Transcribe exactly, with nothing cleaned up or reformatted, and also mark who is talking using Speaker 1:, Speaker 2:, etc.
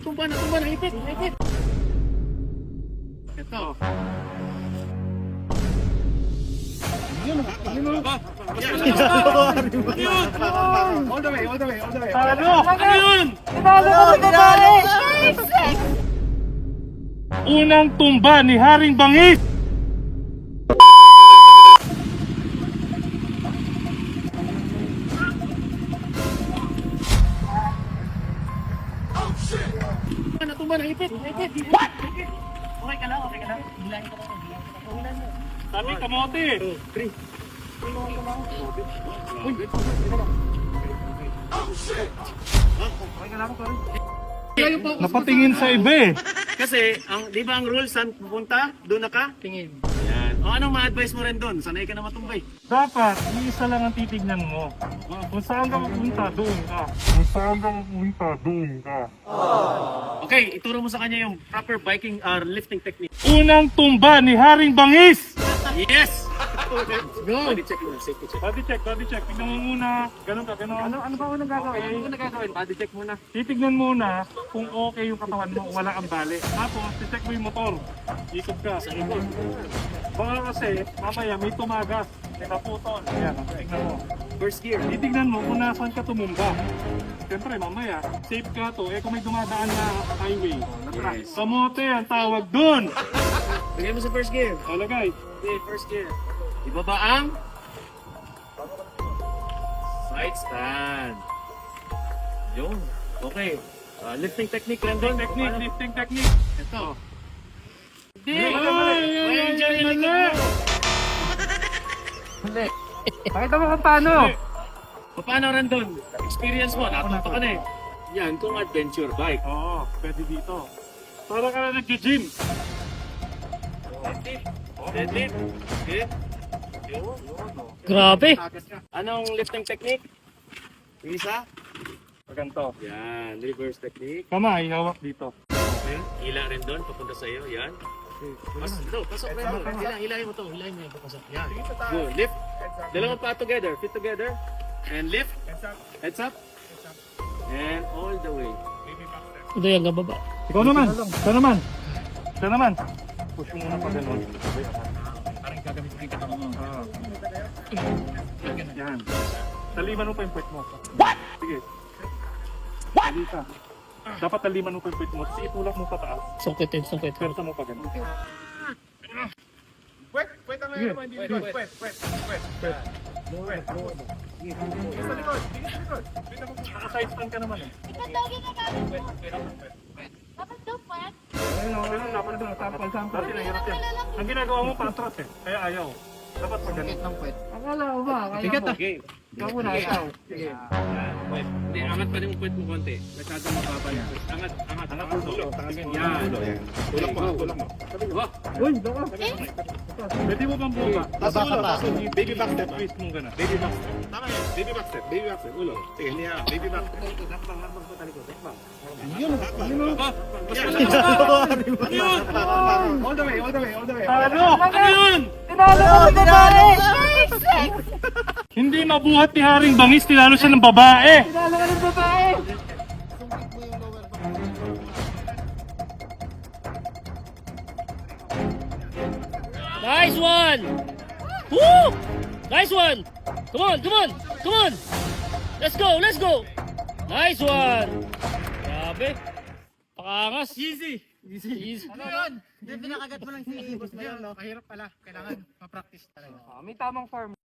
Speaker 1: Natumba, natumba, naipit, naipit. Ito. Yun, yun. Yun. All the way, all the way, all the way. Ano? Ano yun? Unang tumba ni Haring Bangis. Natumba, naipit, naipit. What? Okay ka lang, okay ka lang. Bilangin ko lang, bilangin ko lang. Sabi, kamote. two, three. Uy, okay ka lang, sorry. Napatingin sa iba eh.
Speaker 2: Kasi, ang, di ba ang rules, saan pupunta? Doon na ka?
Speaker 1: Tingin.
Speaker 2: Yan. O anong ma-advise mo rin doon? Sanay ka na matumbay.
Speaker 1: Dapat, iisa lang ang titignan mo. Kung saan ka pupunta, doon ka. Kung saan ka pupunta, doon ka.
Speaker 2: Okay, ituro mo sa kanya yung proper biking or lifting technique.
Speaker 1: Unang tumba ni Haring Bangis!
Speaker 2: Yes!
Speaker 1: Go!
Speaker 2: Body check muna, safety check.
Speaker 1: Body check, body check. Tignan mo muna. Ganun ka, ganun.
Speaker 2: Ano, ano ba unang gagawin?
Speaker 1: Okay.
Speaker 2: Ano unang gagawin? Body check muna.
Speaker 1: Titignan muna kung okay yung katawan mo, wala kang bali. Tapos, check mo yung motor. Ikot ka.
Speaker 2: Sa likod.
Speaker 1: Baka kasi, mamaya may tumagas. May naputol. Ayan, tignan mo.
Speaker 2: First gear.
Speaker 1: Titignan mo kung nasaan ka tumumba. Siyempre, mamaya, safe ka to. Eh, kung may dumadaan na highway.
Speaker 2: Yes.
Speaker 1: Kamote ang tawag dun.
Speaker 2: Lagay mo sa first gear.
Speaker 1: Talagay.
Speaker 2: Okay, first gear. Ibaba ang side stand. Yun. Okay. Uh, lifting technique, Rendon.
Speaker 1: Technique, lifting technique.
Speaker 2: Ito. Hindi.
Speaker 1: Ay,
Speaker 2: Mali, mali. May injury yung likod mo.
Speaker 1: Mali. Pakita mo kung paano.
Speaker 2: Paano, Rendon? Experience mo, natuto ka na eh. Yan, kung adventure bike.
Speaker 1: Oo, pwede dito. Para ka na nag-gym.
Speaker 2: Deadlift. Deadlift. Okay. Yun.
Speaker 3: Grabe.
Speaker 2: Anong lifting technique? Isa?
Speaker 1: Paganto.
Speaker 2: Yan, reverse technique.
Speaker 1: Kamay, hawak dito.
Speaker 2: Okay. Hila rin doon, papunta sa iyo. Yan. Pas, ito, pasok rin mo. Hila, hilahin mo to. Hilahin mo yung papasok. Yan. Good. Lift. Dalawang pa together. Fit together. And lift. Heads up. And all the way.
Speaker 3: Ito yung gababa.
Speaker 1: Ikaw naman. Ikaw naman. Ikaw naman. Push mo muna pa ganun.
Speaker 2: Parang gagamit ko yung katawan mo.
Speaker 1: Ah. Yan. Taliman mo pa yung puwet mo. What? Sige. What? Ka. Dapat taliman mo pa yung puwet mo. Kasi itulak mo pa taas.
Speaker 3: Sungkitin, sungkit.
Speaker 1: Persa mo pa ganun.
Speaker 4: Pwet, pwet ang
Speaker 1: Sige.
Speaker 4: naman, hindi likod. Pwet, pwet, pwet.
Speaker 1: Pwet.
Speaker 4: Pwet. Tingin sa likod, tingin sa likod. Tingin mo.
Speaker 1: Naka-side stand ka naman eh.
Speaker 5: Ikaw daw ginagamit mo. Dapat daw, Pwet.
Speaker 1: Ayun o, ayun. Dapat doon. Sample, sample. Kasi nahirap yan. Ang ginagawa mo, patras eh. Kaya ayaw. Dapat pag ganun.
Speaker 3: Akala ko ba? Kaya
Speaker 2: Bigat
Speaker 3: mo.
Speaker 2: ah. Okay.
Speaker 3: Ikaw muna, ikaw.
Speaker 2: Sige. Yan. Wait. Hindi, angat pa rin yung puwet mo konti. Masyadong mababa yung puwet. Angat, angat. Angat ulo. Yan.
Speaker 4: Tulak mo, tulak mo.
Speaker 2: Wah.
Speaker 1: Uy, doon ka. Pwede mo bang buka?
Speaker 4: Taas ulo, taas ulo. Baby back step.
Speaker 1: Twist mo gano'n.
Speaker 4: Baby back step. Tama yan. Baby back step. Baby back step. Ulo. Sige, hindi yan. Baby back step.
Speaker 1: Yun, yun o.
Speaker 2: Ah,
Speaker 1: Yun!
Speaker 4: All the way, all the way, all the way.
Speaker 1: Ano? Ano yun?
Speaker 3: Tinalo ko ng babae!
Speaker 1: Hindi mabuhat ni Haring Bangis, tinalo siya ng babae.
Speaker 3: Tinalo ko ng babae! Nice one! Woo! Nice one! Come on, come on, come on! Let's go, let's go! Nice one! Grabe! Pakangas!
Speaker 2: Easy.
Speaker 3: Easy. Easy.
Speaker 6: Ano yun? Hindi, pinakagat mo lang si Boss Mayor, no? Mahirap pala. Kailangan ma-practice talaga.
Speaker 3: May tamang form.